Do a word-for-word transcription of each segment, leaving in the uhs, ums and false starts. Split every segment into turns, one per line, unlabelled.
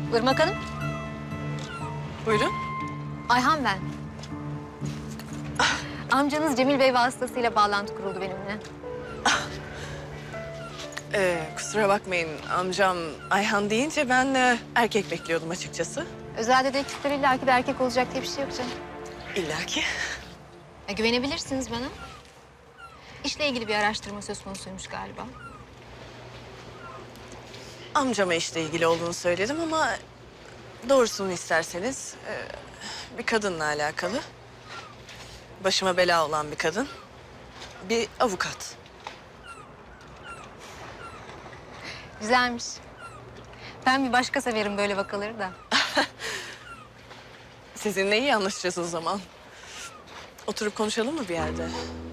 Irmak Hanım.
Buyurun.
Ayhan ben. Amcanız Cemil Bey vasıtasıyla bağlantı kuruldu benimle.
Ee, kusura bakmayın amcam Ayhan deyince ben e, erkek bekliyordum açıkçası.
Özel dedektifler illaki de erkek olacak diye bir şey yok canım.
İlla ki.
E, güvenebilirsiniz bana. İşle ilgili bir araştırma söz konusuymuş galiba.
Amcama işle ilgili olduğunu söyledim ama doğrusunu isterseniz e, bir kadınla alakalı. Başıma bela olan bir kadın. Bir avukat.
Güzelmiş. Ben bir başka severim böyle vakaları da.
Sizinle iyi anlaşacağız o zaman. Oturup konuşalım mı bir yerde?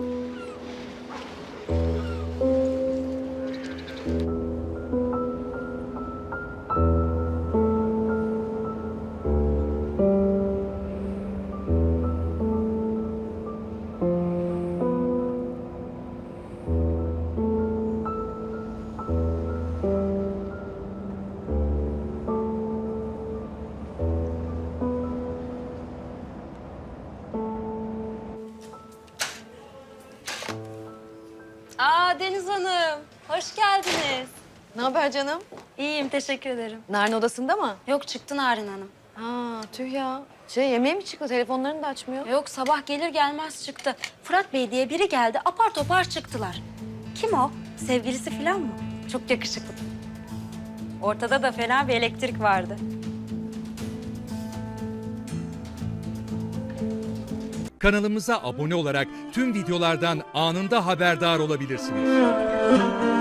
Aa Deniz Hanım, hoş geldiniz.
Ne haber canım?
İyiyim, teşekkür ederim.
Narin odasında mı?
Yok çıktı Narin Hanım.
Ha tüh ya. Şey yemeğe mi çıktı? Telefonlarını da açmıyor.
Yok sabah gelir gelmez çıktı. Fırat Bey diye biri geldi, apar topar çıktılar. Kim o? Sevgilisi falan mı? Çok yakışıklı. Ortada da fena bir elektrik vardı.
Kanalımıza abone olarak tüm videolardan anında haberdar olabilirsiniz.